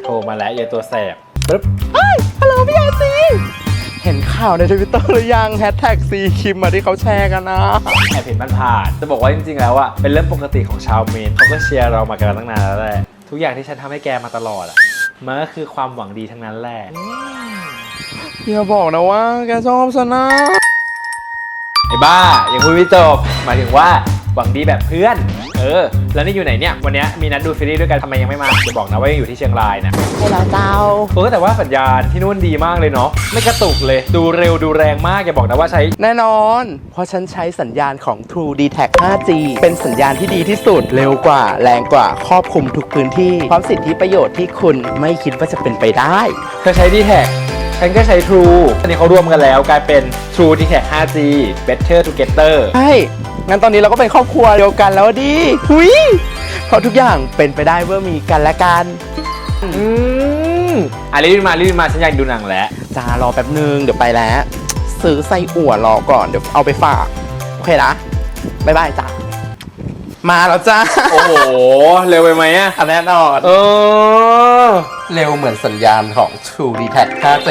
โทรมาแล้วเยตัวแสบปึ๊บฮัลโหลพี่อาซีเห็นข่าวในทวิตเตอร์หรือยังแฮชแท็กซีคิมมาที่เขาแชร์กันนะแอบเห็นมันผ่านจะบอกว่าจริงๆแล้วอะเป็นเรื่องปกติของชาวเมนเขาก็เชียร์เรามากันตั้งนานแล้วแหละทุกอย่างที่ฉันทำให้แกมาตลอดอะมันก็คือความหวังดีทั้งนั้นแหละอย่าบอกนะว่าแกชอบฉันนะไอ้บ้ายังพูดไม่จบหมายถึงว่าหวังดีแบบเพื่อนแล้วนี่อยู่ไหนเนี่ยวันนี้มีนัดดูซีรีส์ด้วยกันทำไมยังไม่มาจะบอกนะว่ายังอยู่ที่เชียงรายนะให้เราเจ้าแต่ว่าสัญญาณที่นู่นดีมากเลยเนาะไม่กระตุกเลยดูเร็วดูแรงมากอย่าบอกนะว่าใช้แน่นอน เพราะฉันใช้สัญญาณของ True d t a c 5G เป็นสัญญาณที่ดีที่สุดเร็วกว่าแรงกว่าครอบคลุมทุกพื้นที่พร้อมสิทธิประโยชน์ที่คุณไม่คิดว่าจะเป็นไปได้เธอใช้ D-Tag ฉันก็ใช้ True อันนี้เขารวมกันแล้วกลายเป็น True D-Tag 5G Better Together ใช่ งั้นตอนนี้เราก็เป็นครอบครัวเดียวกันแล้วดิหุยเพราะทุกอย่างเป็นไปได้เมื่อมีกันและกันรีบมาฉันอยากดูหนังแล้วจ้ารอแป๊บนึงเดี๋ยวไปแล้ว ซื้อไส้อั่วรอก่อนเดี๋ยวเอาไปฝาก โอเคนะบ๊ายบายจ้ามาแล้วจ้าโอ้โห เร็วไปไหมอะแน่นอน เร็วเหมือนสัญญาณของ True d t a c 5G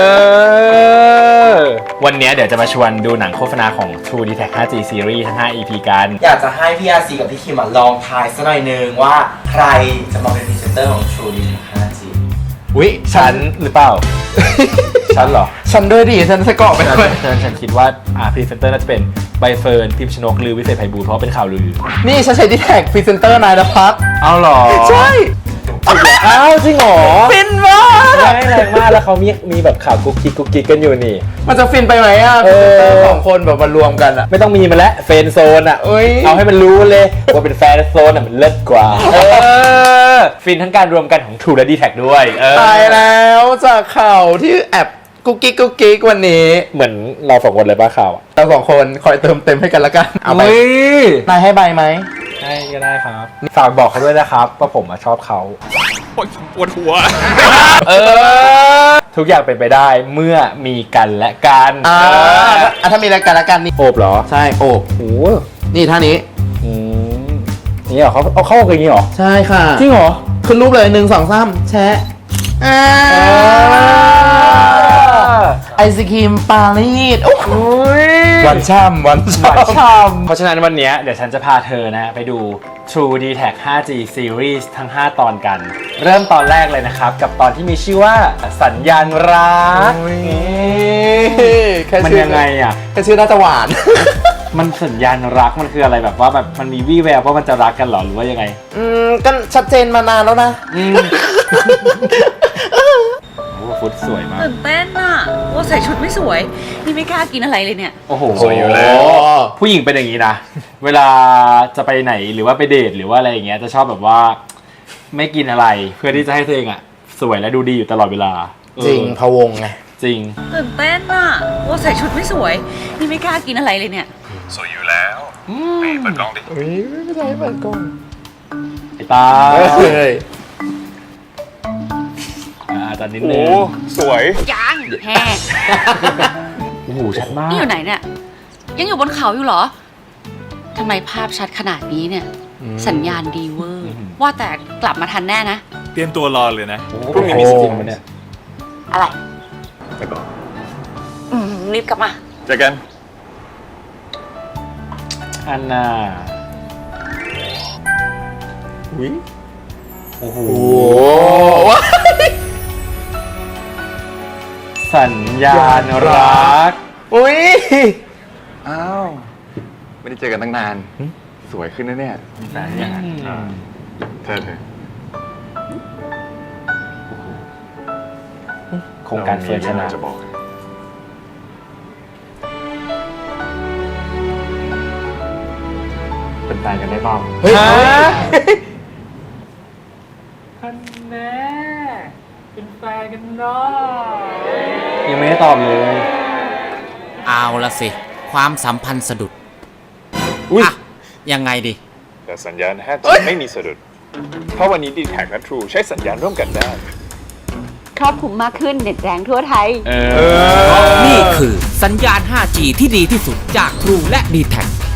วันนี้เดี๋ยวจะมาชวนดูหนังโฆษณาของ True d t a c 5G Series ทั้ง 5 EP กันอยากจะให้พี่อาซีกับพี่คิมลองทายสักหน่อยนึงว่าใครจะมาเป็นพรีเซนเตอร์ของ True d t a c 5G อุ๊ยฉันหรือเปล่า ฉันเหรอฉันด้วยดิฉันสะกอบไปด้วยฉันคิดว่าพรีเซนเตอร์น่าจะเป็นใบเฟิร์นพิมพ์ชนกหรือวิเศษไพบูลย์เพราะเป็นข่าวลือนี่ฉันใช้ d t a c พรีเซนเตอร์นายนภัสเอาเหรอใช่อ้าวจริงเหรอฟินมากแรงมากแล้วเขามีแบบข่าวกุ๊กกิ๊กกันอยู่นี่มันจะฟินไปไหมอ่ะพรีเซนเตอร์สองคนแบบมารวมกันอ่ะไม่ต้องมีมาแล้วเฟนโซนอ่ะเอ้ยเอาให้มันรู้เลยว่าเป็นแฟนโซนอ่ะมันเลิศกว่าฟินทั้งการรวมกันของ True และ D-Tag ด้วยตายแล้วจากข่าวที่แอบกุ๊กกิ๊กวันนี้เหมือนเราสองคนเลยป่ะข่าวอ่ะเราสองคนคอยเติมเต็มให้กันละกันเอาไปเฮ้ยนายให้ใบไหมได้ก็ได้ครับฝากบอกเขาด้วยนะครับว่าผมชอบเขาปวดหัวทุกอย่างเป็นไปได้เมื่อมีกันและกันถ้ามีรายการละกันนี่โอบเหรอใช่โอบโอ้นี่ท่านี้นี่เหรอเขาเอาเข้ากันอย่างนี้เหรอใช่ค่ะจริงเหรอขึ้นรูปเลย1 2 3แชะไอศครีมปารีสวันช่ำเพราะฉะนั้นวันนี้เดี๋ยวฉันจะพาเธอนะไปดู True d t a c 5G Series ทั้ง 5 ตอนกัน เริ่มตอนแรกเลยนะครับ กับตอนที่มีชื่อว่าสัญญาณรักมันยังไงอ่ะแค่ชื่อน่าจะหวานมันสัญญาณรักมันคืออะไรแบบว่าแบบมันมีวี่แววว่ามันจะรักกันหรอหรือว่ายังไงก็ชัดเจนมานานแล้วนะฟุตสวยมากตื่นเต้นอ่ะว่าใส่ชุดไม่สวย นี่ไม่กล้ากินอะไรเลยเนี่ยโอ้โหสวยอยู่แล้ว ผู้หญิงเป็นอย่างนี้นะ เวลาจะไปไหนหรือว่าไปเดทหรือว่าอะไรอย่างเงี้ยจะชอบแบบว่าไม่กินอะไรเพื่อที่จะให้ตัวเองอ่ะสวยและดูดีอยู่ตลอดเวลาจริงพะวงไงจริงตื่นเต้นอ่ะว่าใส่ชุดไม่สวย นี่ไม่กล้ากินอะไรเลยเนี่ยสวยอยู่แล้วเปิดกล้องดิไม่เป็นไรเปิดกล้องไอ้ตาเฮ้ยตอนนิดนึงสวยยังแฮ่โอ้โหชัดมากนี่อยู่ไหนเนี่ย ยังอยู่บนเขาอยู่เหรอทำไมภาพชัดขนาดนี้เนี่ย สัญญาณดีเวอร์ ว่าแต่กลับมาทันแน่นะเตรียมตัวรอเลยนะพรุ่งนี้มีสกินมั้ยเนี่ยอะไรไปก่อนรีบกลับมาเจอกันอันน่ะอุ้ยโอ้โหโอ้สัญญาณรักอุ้ยอ้าว ไม่ได้เจอกันตั้งนาน สวยขึ้นนะเนี่ยแฟนยังไงเธอโครงการเฟิร์นชนะจะบอกเป็นแฟนกันได้เปล่าเฮ้ยท่านแม่เป็นแฟนกันเนาะยังไม่ได้ตอบเลยเอาละสิ ความสัมพันธ์สะดุดอุ้ยอ่ะ ยังไงดีแต่สัญญาณ 5G ไม่มีสะดุด เพราะวันนี้ D-Tag และ True ใช้สัญญาณร่วมกันได้ครอบคลุมมากขึ้นเน็ตแรงทั่วไทยนี่คือสัญญาณ 5G ที่ดีที่สุดจาก True และ d t แท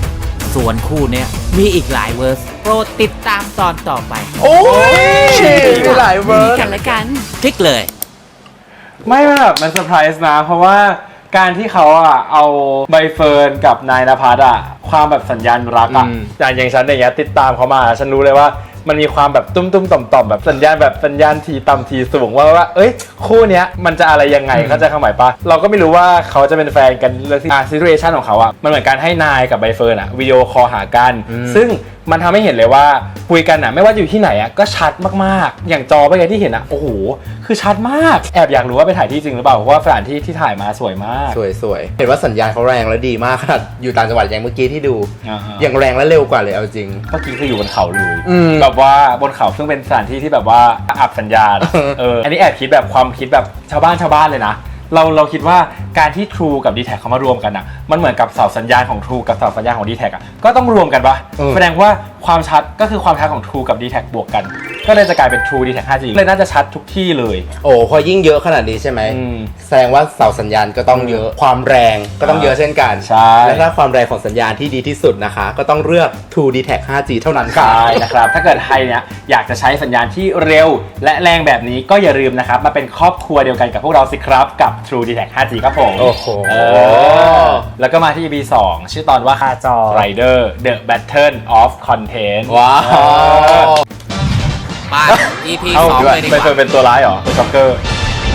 ส่วนคู่เนี้ยมีอีกหลายเวอร์สโปรดติดตามตอนต่อไปโอ้ยมีหลายเวิร์ดกันและกันคลิกเลยไม่แบบมันเซอร์ไพรส์นะ เพราะว่าการที่เขาอ่ะเอาใบเฟิร์นกับนายณภัสอ่ะความแบบสัญญาณรักอ่ะอย่างฉันอย่างเงี้ยติดตามเขามาฉันรู้เลยว่ามันมีความแบบตุ้มๆต่อมๆแบบสัญญาณทีต่ำทีสูงว่าเอ้ยคู่เนี้ยมันจะอะไรยังไงเข้าใจความหมายปะเราก็ไม่รู้ว่าเขาจะเป็นแฟนกันเรื่องที่ซิทูเอชันของเขาอ่ะมันเหมือนการให้นายกับใบเฟิร์นอ่ะวิดีโอคอลหากันซึ่งมันทำให้เห็นเลยว่าคุยกันอ่ะไม่ว่าอยู่ที่ไหนอ่ะก็ชัดมากๆอย่างจอเมื่อกี้ที่เห็นอ่ะโอ้โหคือชัดมากแอบอยากรู้ว่าไปถ่ายที่จริงหรือเปล่าเพราะว่าสถานที่ที่ถ่ายมาสวยมากสวยๆ เห็นว่าสัญญาณเขาแรงและดีมากขนาดอยู่ต่างจังหวัดอย่างเมื่อกี้ที่ดูอ่าฮะอย่างแรงและเร็วกว่าเลยเอาจริงเมื่อกี้คืออยู่บนเขาเลยอืมแบบว่าบนเขาซึ่งเป็นสถานที่ที่แบบว่าอับสัญญาณอันนี้แอบคิดแบบความคิดแบบชาวบ้านเลยนะเราคิดว่าการที่ True กับ D-Tag เขามารวมกันอ่ะมันเหมือนกับเสาสัญญาณของ True กับเสาสัญญาณของ D-Tag อ่ะก็ต้องรวมกันปะแสดงว่าความชัดก็คือความชัดของ True กับ D-Tag บวกกัน ก็เลยจะกลายเป็น True D-Tag 5G เลยน่าจะชัดทุกที่เลยโอ้พอยิ่งเยอะขนาดนี้ใช่ไหม แสดงว่าเสาสัญญาณก็ต้องเยอะ ความแรงก็ต้องเยอะเช่นกันใช่และถ้าความแรงของสัญญาณที่ดีที่สุดนะคะ ก็ต้องเลือก True D-Tag 5G เท่านั้นค่ะใช่นะครับ ถ้าเกิดใครเนี่ยอยากจะใช้สัญญาณที่เร็วและแรงแบบนี้ก็อย่าลืมนะครับมาเป็นครอบครัวเดียวกันกับพวกเราสิครับกับ True D-Tag 5G ครับผมโอ้โหแล้วก็มาที่ EP 2 ชื่อตอนว่าคาจอ Rider The Battle of Content ว้าวไป EP เอ้า 2 เลยดีกไปเฟิร์นว่าเป็นตัวร้ายเหรอเป็นจ็อกเกอร์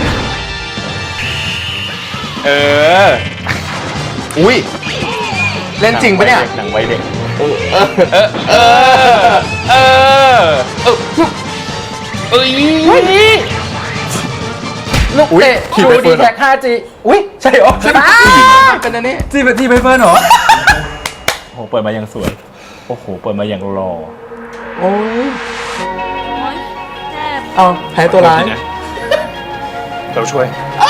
อุ้ยเล่นจริงปะเนี่ยหนังไว้เด็กลูกเตะขี่ True ไปเฟิร์นเหรอ D-Tag 5G อุ้ยใช่เหรอเป็นอันนี้จีเป็นทีไปเฟิร์นเหรอ โอ้โหเปิดมาอย่างสวย โอ้โหเปิดมาอย่างหล่อโอ้ยโอ๊ยเจ็บเอาแพ้ตัวร้ายเราช่วย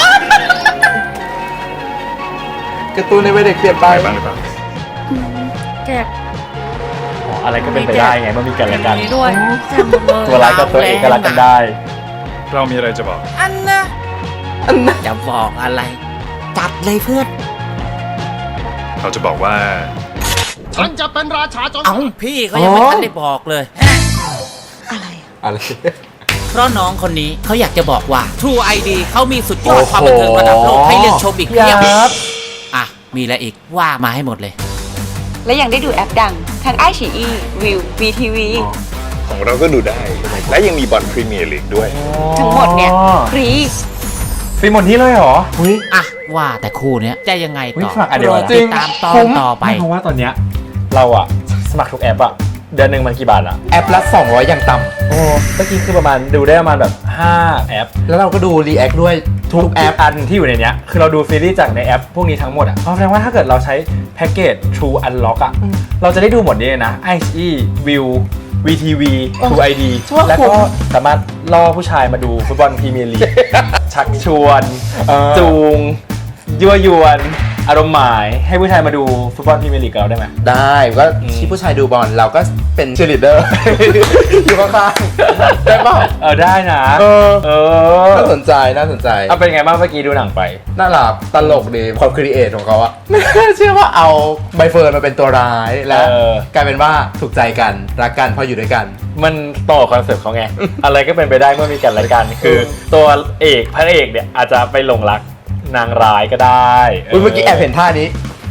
การ์ตูนในวัยเด็กเปลี่ยนไปไปบ้างหรือเปล่าเจ็บอ๋ออะไรก็เป็นไปได้ไงเมื่อมีกันและกันนี้ด้วยเจ็บหมดเลยตัวร้ายกับตัวเอกก็รักกันได้เรามีอะไรจะบอกอันนะจะบอกอะไร จัดเลยเพื่อนเราจะบอกว่าเอ้าพี่เขายังไม่ทันได้บอกเลยอะไรเพราะน้องคนนี้เขาอยากจะบอกว่า True ID เขามีสุดยอดความบันเทิงระดับโลกให้เลือกชมอีกเพียบครับอ่ะ มีอะไรอีกว่ามาให้หมดเลยและยังได้ดูแอปดังทั้งไอฉีอีวิว VTV ของเราก็ดูได้ และยังมีบอลพรีเมียร์ลีกด้วยทั้งหมดเนี่ยฟรีฟรีหมดที่เลยเหรออุ้ยอ่ะ ว่าแต่คู่เนี้ยจะยังไงอุ๊ยต่อสมัครอันเดียวโปรนะดติดตามตอนต่อไปเพราะว่าตอนเนี้ยเราอะสมัครทุกแอปอะเดือนหนึ่งมันกี่บาทอะแอปละ200อย่างต่โอ้เมื่อกี้คือประมาณดูได้ประมาณแบบ5แอปำแล้วเราก็ดูรีแอคด้วยทุกแอปอันที่อยู่ในเนี้ยคือเราดูซีรีส์จากในแอปพวกนี้ทั้งหมดอ่ะเพราะแสดงว่าถ้าเกิดเราใช้แพ็กเกจ True Unlock อ่ะเราจะได้ดูหมดนี้เลยนะ iQIYI View VTV True ID แล้วก็สามารถล่อผู้ชายมาดูฟุตบอลพรีเมียร์ลีก ชักชวน จูง ยั่วยวน อารมณ์หมายให้ผู้ชายมาดูฟุตบอลพรีเมียร์ลีกกับเราได้ไหมได้ก็ที่ผู้ชายดูบอลเราก็เป็นเชียร์ลีดเดอร์ อยู่ข้างๆได้เปล่าได้นะน่าสนใจน่าสนใจเอาเป็นไงบ้างเมื่อกี้ดูหนังไปน่ารักตลกดีความครีเอทของเขาอะไม่น่าเชื่อว่าเอาใบเฟิร์นมาเป็นตัวร้ายแล้ว กลายเป็นว่าถูกใจกันรักกันเพราะอยู่ด้วยกันมันต่อคอนเซ็ปต์เขาไง อะไรก็เป็นไปได้เมื่อมีกันและกัน คือตัวเอกพระเอกเนี่ยอาจจะไปหลงรักนางร้ายก็ได้อุ๊ยเมื่อกี้แอบเห็นท่านี้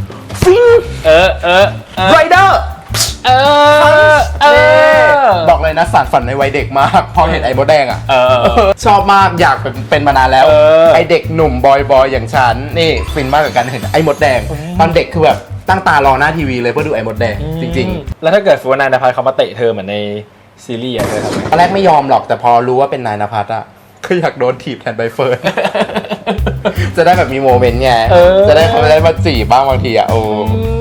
ไรเดอร์ บอกเลยนะสารฝันในวัยเด็กมากพอเห็นไอ้มดแดงอ่ะชอบมากอยากเป็นมานานแล้ว ไอ้เด็กหนุ่มบอยอย่างฉันนี่ฟินมากกับการเห็นไอ้มดแดงตอนเด็กคือแบบตั้งตารอหน้าทีวีเลยเพื่อดูไอ้มดแดงจริงแล้วถ้าเกิดฟูนายนภัสเขามาเตะเธอเหมือนในซีรีส์อะเธอทำไงๆตอนแรกไม่ยอมหรอกแต่พอรู้ว่าเป็นนายณภัสอ่ะก็อยากโดนถีบแทนใบเฟิร์น จะได้แบบมีโมเมนต์ไงจะได้เขาได้มาจีบบ้างบางทีอ่ะโอ้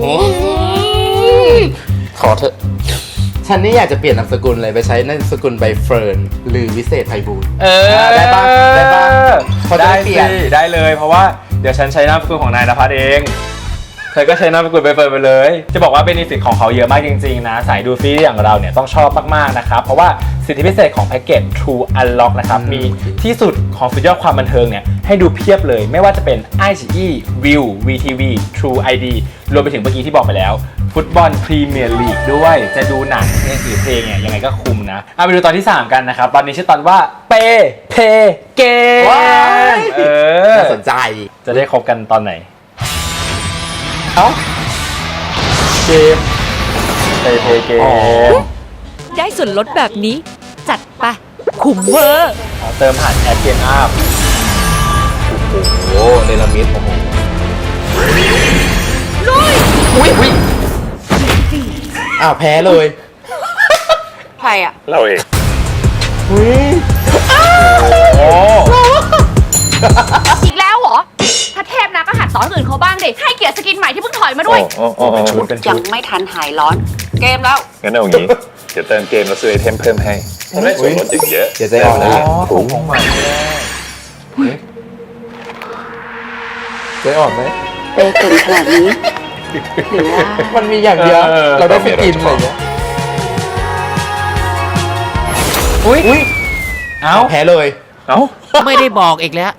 ขอเถอะฉันนี่อยากจะเปลี่ยนนามสกุลเลยไปใช้นามสกุลใบเฟิร์นหรือวิเศษไพบูลย์ได้ปะได้ปะเขาจะได้ได้เปลี่ยนสิได้เลยเพราะว่าเดี๋ยวฉันใช้นามสกุลของนายนภัสเองเธอก็ใช้นามสกุลไปเปิดไปเลย จะบอกว่าเบเนฟิตของเขาเยอะมากจริงๆนะสายดูซีรีส์อย่างเราเนี่ยต้องชอบมากๆนะครับเพราะว่าสิทธิพิเศษของแพ็กเกจ True Unlock นะครับมีที่สุดของสุดยอดความบันเทิงเนี่ยให้ดูเพียบเลยไม่ว่าจะเป็น iQIYI View VTV True ID รวมไปถึงเมื่อกี้ที่บอกไปแล้วฟุตบอลพรีเมียร์ลีกด้วยจะดูหนังหรือเพลงเนี่ยยังไงก็คุ้มนะเอาไปดูตอนที่ 3 กันนะครับ ตอนนี้ชื่อตอนว่าเปเพเกมว้าย น่าสนใจจะได้คบกันตอนไหนเอ้าเกมเปเพเกมอ๋อได้ส่วนลดแบบนี้ จัดไปคุ้มเวอร์เติมผ่านแอปเกมอัพโอ้เนลมิดโอ้โหอุ้ยอ้าวแพ้เลยใครอ่ะเราเองโอ้อีกแล้วเหรอ ถ้าเทพนะก็หัดสอนคนอื่นเขาบ้างดิให้เกียรติสกินใหม่ที่เพิ่งถอยมาด้วยเป็นชุดเป็นชุยัดงไม่ทันหายร้อน เกมแล้วงั้นเอางี้ เดี๋ยวเติมเกมแล้วซื้อไอเทมเพิ่มให้ได้ส่วนลดอย่างเยอะเดี๋ยวใจอ่อนนะถุงของใหม่ใจอ่อนไหมเปเก่งขนาดนี้ หรือว่ามันมีอย่างเดียว เราได้ไปกินอะไรอย่างเงี้ยอุ้ยเอ้าแพ้เลยเอ้าไม่ได้บอกอีกแล้ว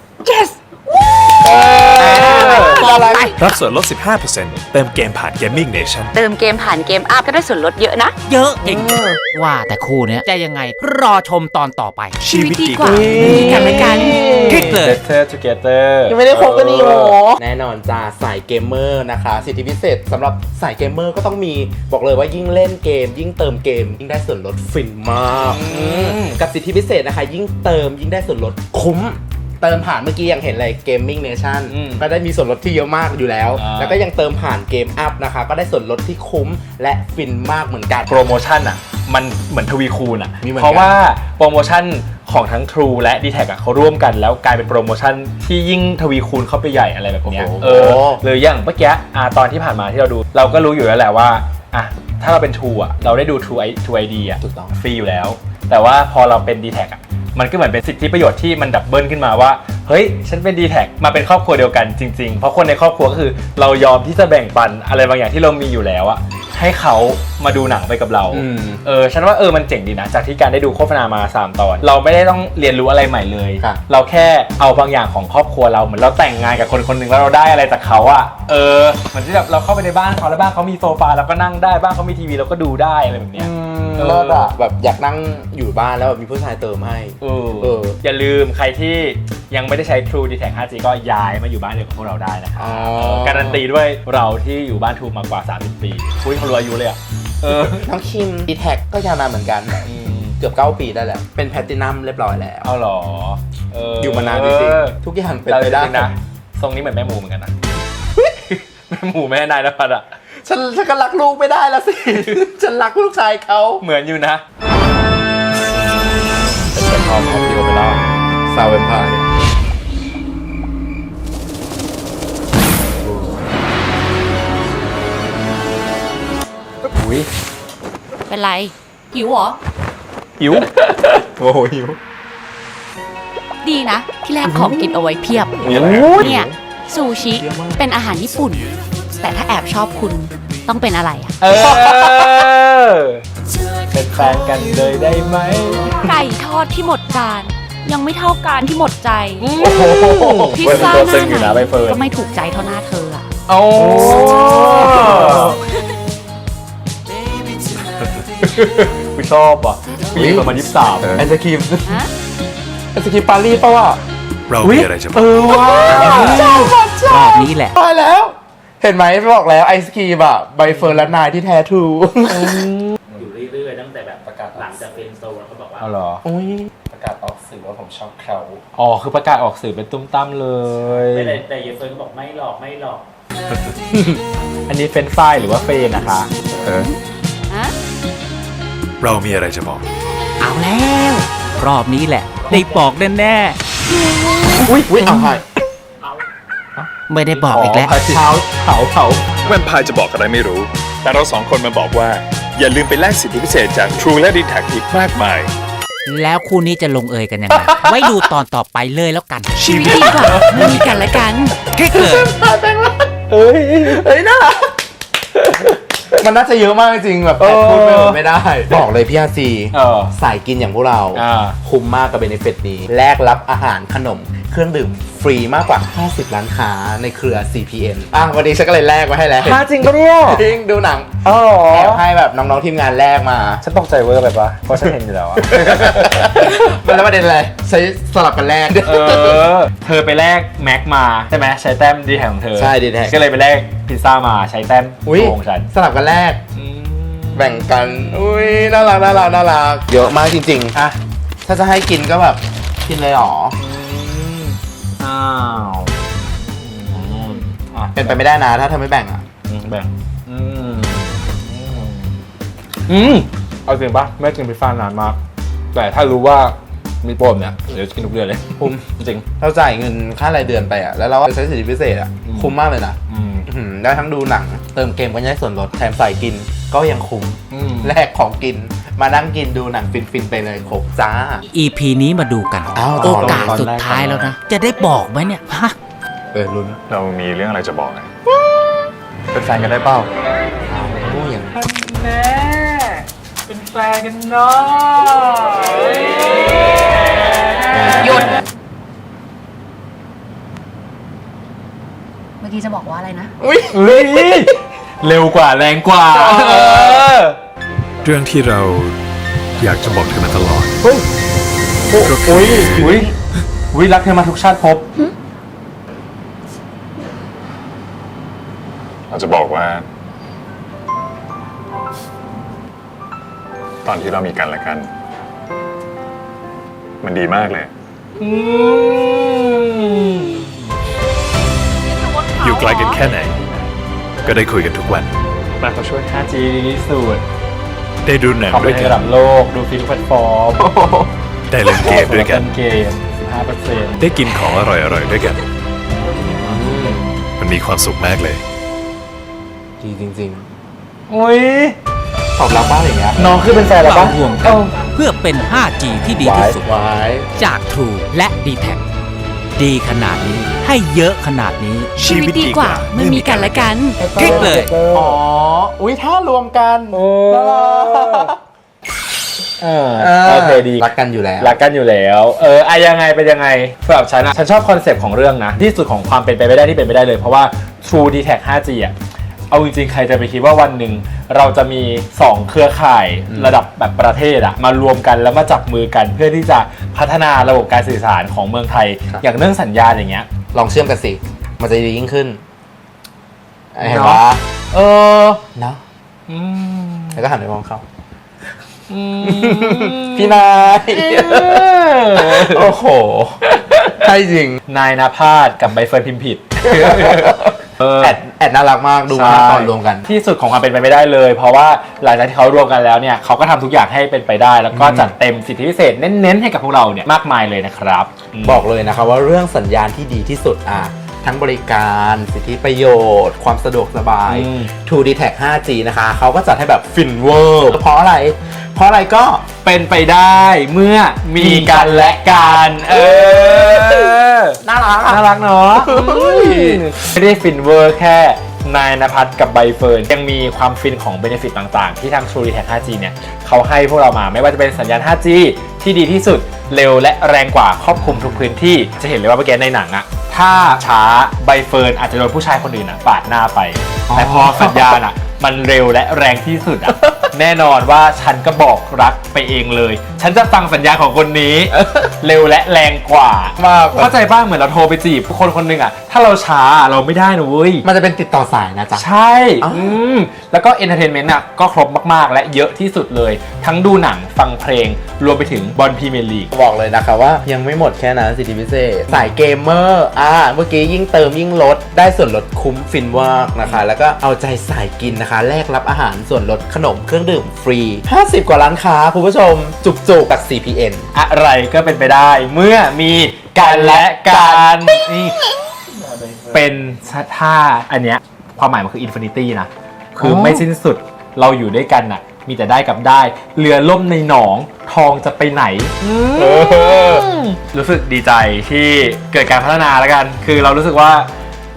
อะไรรับส่วนลด 15% เติมเกมผ่าน Gaming Nation เติมเกมผ่านเกมอัพก็ได้ส่วนลดเยอะนะเยอะจริงว่าแต่คู่เนี้ยจะยังไงรอชมตอนต่อไปชีวิตดีกว่ามีกันและกันคลิกเลย Better Together ยังไม่ได้คบกันอีกเหรอ แน่นอนจ้าสายเกมเมอร์นะคะ สิทธิพิเศษสำหรับสายเกมเมอร์ก็ต้องมีบอกเลยว่ายิ่งเล่นเกม ยิ่งเติมเกม ยิ่งได้ส่วนลดฟินมากกับสิทธิพิเศษนะคะ ยิ่งเติมยิ่งได้ส่วนลดคุ้ม เติมผ่านเมื่อกี้ยังเห็นเลย Gaming Nation ก็ได้มีส่วนลดที่เยอะมากอยู่แล้ว แล้วก็ยังเติมผ่านเกมอัพนะคะ ก็ได้ส่วนลดที่คุ้มและฟินมากเหมือนกันโปรโมชั่นอ่ะ มันเหมือนทวีคูณอ่ะมีเหมือนกันเพราะว่าโปรโมชั่นของทั้ง True และ d t แทเขาร่วมกันแล้วกลายเป็นโปรโมชั่นที่ยิ่งทวีคูณเข้าไปใหญ่อะไรแบบเนี้ยโอ้โหหรืออย่างเมื่อกี้ตอนที่ผ่านมาที่เราดู เราก็รู้อยู่แล้วแหละว่าอ่ะถ้าเราเป็น True อ่ะเราได้ดู True ID อ่ะถูกต้องฟรีอยู่แล้ว แต่ว่าพอเราเป็น d t แทอ่ะมันก็เหมือนเป็นสิทธิประโยชน์ที่มันดับเบิลขึ้นมาว่าเฮ้ยฉันเป็น d t แทมาเป็นครอบครัวเดียวกันจริงๆเพราะคนในครอบครัวก็คือเรายอมที่จะแบ่งปันอะไรบางอย่างที่เรามีอยู่แล้วอะให้เขามาดูหนังไปกับเรา ฉันว่ามันเจ๋งดีนะจากที่การได้ดูโฆษณามา3 ตอนเราไม่ได้ต้องเรียนรู้อะไรใหม่เลยค่ะเราแค่เอาบางอย่างของครอบครัวเราเหมือนเราแต่งงานกับคนคนหนึ่งแล้วเราได้อะไรจากเขาอะเหมือนที่แบบเราเข้าไปในบ้านเขาแล้วบ้านเขามีโซฟาเราก็นั่งได้บ้านเขามีทีวีเราก็ดูได้อะไรแบบเนี้ยเลิศอะแบบอยากนั่งอยู่บ้านแล้วแบบมีผู้ชายเติมให้อย่าลืมใครที่ยังไม่ได้ใช้ True d t แท 5G ก็ย้ายมาอยู่บ้านเดียวกับพวกเราได้นะครับ การันตีด้วยเราที่อยู่บ้าน True มากว่า30 ปีอุ้ยเขารู้อายุเลยอ่ะน้องคิมดีแท็กก็ยาวนานเหมือนกัน เกือบ9 ปีได้แล้ว เป็นแพลตินัมเรียบร้อยแล้วเอาเหรออยู่มานานจริงๆทุกอย่างเป็นไปได้นะ ทรงนี้เหมือนแม่หมูเหมือนกันนะ แม่หมูแม่นายนภัสอ่ะฉันก็รักลูกไม่ได้แล้วสิ ฉันรักลูกชายเขาเหมือนอยู่นะเป็นพอดีโอเปร่าซาวเวนพายอุ้ยเป็นไร หิวเหรอหิวโอ้โหหิวดีนะ ที่แรกของกินเอาไว้เพียบมีอะไรเนี่ย ซูชิ เป็นอาหารญี่ปุ่น แต่ถ้าแอบชอบคุณต้องเป็นอะไรอะเป็นแฟนกันเลยได้ไหมไก่ทอดที่หมดจาน ยังไม่เท่าการที่หมดใจพิซซ่าตัวหตึงอยู่นะน้าใบไหนเฟิร์นก็ไม่ถูกใจเท่าหน้าเธออะโอ้กูชอบอ่ะผู้หญิงประมาณ23 ไอศครีมฮะไอศครีมปารีสป่าวะเรามีอะไรจะบอกว้าวรอบนี้แหละตายแล้ว เห็นไหมบอกแล้วไอศครีมอะใบเฟิร์นและนายที่แท้ทรูอยู่เรื่อยๆตั้งแต่แบบประกาศหลังจากเป็นโซนเขาบอกว่าเอาเหรออุ้ยประกาศออกสื่อว่าผมชอบเขาอ๋อคือประกาศออกสื่อเป็นตุ้มตั้มเลยไม่ได้แต่เยเฟิร์นก็บอกไม่หลอกไม่หลอกอันนี้เฟรนช์ฟรายหรือว่าเฟรนนะคะฮะเรามีอะไรจะบอกเอาแล้ว รอบนี้แหละ ได้บอกแน่อุ้ยเอาให้ๆไม่ได้บอกอีกแล้วเท้าเผาแวมไพร์จะบอกอะไรไม่รู้ แต่เรา2 คนมาบอกว่า อย่าลืมไปแลกสิทธิพิเศษจาก True และ d t แทอีกมากมายแล้วคู่นี้จะลงเอยกันยังไง ไว้ดูตอนต่อไปเลยแล้วกันชีวิตดีกว่ามีกันและกันคลิกเลยเฮ้ยน่ารักมันน่าจะเยอะมากจริงๆแบบแอบพูดไม่ได้ บอกเลยพี่อาซีสายกินอย่างพวกเรา คุ้มมากกับเบนฟิตนี้แลกรับอาหารขนมเครื่องดื่มฟรีมากกว่า 50 ร้านค้าในเครือ CPN วันนี้ฉันก็เลยแลกมาให้แล้วจริงปะเนี่ยจริงดูหนังอ๋อแอบให้แบบน้องๆทีมงานแลกมาฉันตกใจเวอร์ไปปะเพราะฉันเห็นอยู่แล้วอะมันแล้วประเด็นอะไรใช้สลับกันแลกเธอไปแลกแม็กมาใช่ไหมใช้แต้มดีแท็กของเธอใช่ D-Tag ก็เลยไปแลกพิซซ่ามาใช้แต้มอุ้ยของฉันสลับกันแลกแบ่งกันอุ้ยน่ารักน่ารักน่ารักเยอะมากจริงๆอ่ะถ้าจะให้กินก็แบบกินเลยเหรออ้าวอ่ะเป็นไปไม่ได้นะถ้าเธอไม่แบ่งอ่ะแบ่งเอาจริงปะไม่กินพิซซ่านานมาก แต่ถ้ารู้ว่ามีโปรเนี่ยเดี๋ยวจะกินทุกเดือนเลยคุ้มจริงเราจ่ายเงินค่ารายเดือนไปอ่ะแล้วเราใช้สิทธิพิเศษอ่ะคุ้มมากเลยนะ ได้ทั้งดูหนังเติมเกมก็ยังได้ส่วนลดแถมใส่กินก็ยังคุ้มแลกของกินมานั่งกินดูหนังฟินๆไปเลยครบจ้า EP นี้มาดูกันอ้าวโอกาสสุดท้ายแล้วนะ จะได้บอกไหมเนี่ยฮะลุ้นเรามีเรื่องอะไรจะบอกไงเป็นแฟนกันได้เปล่าโอ้ยอย่างแม่เป็นแฟนกันเนาะหยุด เมื่อกี้จะบอกว่าอะไรนะเฮ้ยเร็วกว่าแรงกว่าเรื่องที่เราอยากจะบอกเธอมาตลอดอุ้ยรักเธอมาทุกชาติภพเราจะบอกว่า ตอนที่เรามีกันและกัน มันดีมากเลยอยู่ไกลกันแค่ไหน ก็ได้คุยกันทุกวันมาเขาช่วย 5G ดีที่สุดได้ดูหนังขอบด้วยในกันระดับโลก ดูฟิล์มแพลตฟอร์มได้เล่นเกมด้วยกันเล่นเกม 15% ได้กินของอร่อยๆด้วยกัน มันมีความสุขมากเลยดีจริงอุ้ยๆตอบรับมากอย่างเงี้ยน้องคือเป็นแฟนแล้วเราปะห่วงกันเพื่อเป็น 5G ที่ดีที่สุดไว้จาก True และ D-Tag ดีขนาดนี้ให้เยอะขนาดนี้ชีวิตดีกว่าเมื่อมีกันและกันคลิกเลยอ๋อ อุ้ยถ้ารวมกันโอ้น่ารักโอเคดีรักกันอยู่แล้วรักกันอยู่แล้วยังไงเป็นยังไงสำหรับฉันอะฉันชอบคอนเซปต์ของเรื่องนะ ที่สุดของความเป็นไปไม่ได้ที่เป็นไปได้เลย เพราะว่า True D-Tag 5G อะเอาจริงๆ ใครจะไปคิดว่าวันหนึ่งเราจะมี 2 เครือข่ายระดับแบบประเทศอะมารวมกันแล้วมาจับมือกัน เพื่อที่จะพัฒนาระบบการสื่อสารของเมืองไทยครับอย่างเรื่องสัญญาณอย่างเงี้ยลองเชื่อมกันสิ มันจะดียิ่งขึ้น เห็นเนาะปะเนาะแล้วก็หันไปมองเขา พี่นาย โอ้โหใช่จริงนายนภาสกับใบเฟิร์นพิมพ์ผิดแอดน่ารักมากดูมากตอนรวมกันที่สุดของความเป็นไปไม่ได้เลย เพราะว่าหลังจากที่เขารวมกันแล้วเนี่ยเขาก็ทำทุกอย่างให้เป็นไปได้ แล้วก็จัดเต็มสิทธิพิเศษเน้นๆให้กับพวกเราเนี่ยมากมายเลยนะครับบอกเลยนะครับว่าเรื่องสัญญาณที่ดีที่สุดทั้งบริการสิทธิประโยชน์ ความสะดวกสบาย True D-Tag 5G นะคะเขาก็จัดให้แบบฟินเวอร์เพราะอะไรก็เป็นไปได้เมื่อมีกันและกันน่ารักน่ารักเนาะไม่ได้ฟินเวอร์แค่นายณภัทรกับใบเฟิร์นยังมีความฟินของเบเนฟิตต่างๆ ที่ทาง True D-Tag 5G เนี่ยเขาให้พวกเรามาไม่ว่าจะเป็นสัญญาณ 5G ที่ดีที่สุดเร็วและแรงกว่าครอบคลุมทุกพื้นที่จะเห็นเลยว่าเมื่อกี้ในหนังอะถ้าช้าใบเฟิร์นอาจจะโดนผู้ชายคนอื่นปาดหน้าไปแต่พอสัญญาณอะมันเร็วและแรงที่สุดอะ แน่นอนว่าฉันก็บอกรักไปเองเลย ฉันจะฟังสัญญาณของคนนี้ เร็วและแรงกว่ามากเข้าใจบ้างเหมือนเราโทรไปจีบคนคนหนึ่งอะถ้าเราช้าเราไม่ได้นะเว้ยมันจะเป็นติดต่อสายนะจ๊ะใช่ แล้วก็เอนเตอร์เทนเมนต์อ่ะก็ครบมากๆ และเยอะที่สุดเลย ทั้งดูหนังฟังเพลง รวมไปถึงบอลพรีเมียร์ลีกบอกเลยนะคะว่ายังไม่หมดแค่นั้นสิทธิพิเศษสายเกมเมอร์เมื่อกี้ยิ่งเติมยิ่งลดได้ส่วนลดคุ้มฟินมากนะคะ แล้วก็เอาใจสายกินนะคะแลกรับอาหารส่วนลดขนมเครื่องดื่มฟรี 50 กว่าร้านค้าคุณผู้ชมจุกๆจาก CPN อะไรก็เป็นไปได้เมื่อมีกันและกันนี่เป็นท่าอันเนี้ยความหมายมันคืออินฟินิตี้นะ คือไม่สิ้นสุดเราอยู่ด้วยกันน่ะมีแต่ได้กับได้เรือล่มในหนองทองจะไปไหนรู้สึกดีใจที่เกิดการพัฒนาแล้วกัน คือเรารู้สึกว่า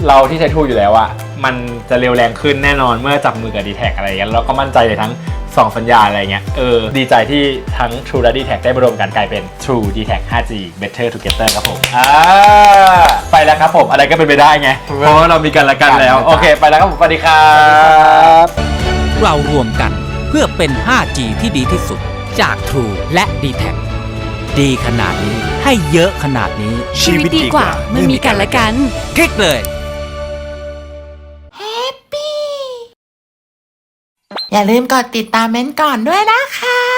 เราที่ใช้ True อยู่แล้วอะมันจะเร็วแรงขึ้นแน่นอนเมื่อจับมือกับ D-Tag อะไรอย่างเงี้ยแล้วก็มั่นใจในทั้ง2สัญญาณอะไรเงี้ยดีใจที่ทั้ง True และ D-Tag ได้มารวมกันกลายเป็น True D-Tag 5G Better Together ครับผมไปแล้วครับผมอะไรก็เป็นไปได้ไงเพราะว่าเรามีกันและกันแล้วโอเคไปแล้วครับผมสวัสดีครับเรารวมกันเพื่อเป็น 5G ที่ดีที่สุดจาก True และ D-Tag ดีขนาดนี้ให้เยอะขนาดนี้ชีวิตดีกว่าเมื่อมีกันและกันคลิกเลยอย่าลืมกดติดตามเม้นท์ก่อนด้วยนะคะ